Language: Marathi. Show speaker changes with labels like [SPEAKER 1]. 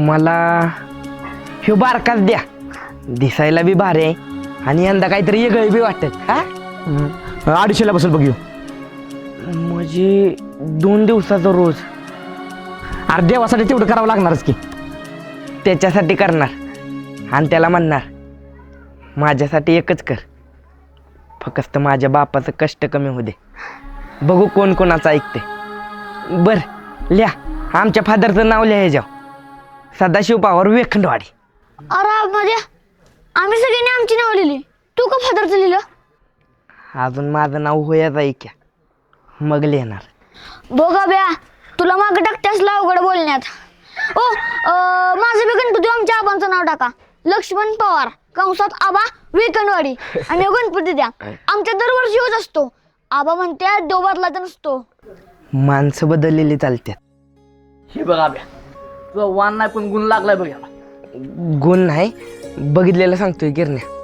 [SPEAKER 1] मला ह्यो बारकाच द्या, दिसायला बी भारी आहे आणि यंदा काहीतरी वेगळं बी वाटत. हा
[SPEAKER 2] 250ला बसेल बघ ह्यो.
[SPEAKER 1] म्हणजे 2 दिवसाचा रोज.
[SPEAKER 2] अरे देवासाठी तेवढं करावं लागणारच की.
[SPEAKER 1] त्याच्यासाठी करणार आणि त्याला म्हणणार माझ्यासाठी एकच कर, फक्त माझ्या बापाचं कष्ट कमी होऊ दे. बघू कोण कोणाचं ऐकते. बर लिहा, आमच्या फादरचं नाव लिहायचं, सदाशिव पवार वेखंडवाडी.
[SPEAKER 3] अरे माझ्या आम्ही सगळ्यांनी आमची नाव लिहिली, तू का फादरचं लिहिलं?
[SPEAKER 1] अजून माझं नाव होयाच ऐक्या, मग लिहिणार.
[SPEAKER 3] बघा ब्या, तुला मागं टाकतेस अवघड बोलण्यात. ओ माझं बी गणपती आमच्या आबांचं नाव टाका, लक्ष्मण पवार कंसात आबा वेकणवाडी. आणि हो गणपती द्या, आमच्या दरवर्षी होत असतो. आबा म्हणते देव बदलायचा नसतो.
[SPEAKER 1] माणसं बदललेली चालतात.
[SPEAKER 4] हे बघा बे, तुझा वाण नाही पण गुण लागलाय बघ याला.
[SPEAKER 1] गुण नाही, बघितलेलं सांगतोय गिरण्या.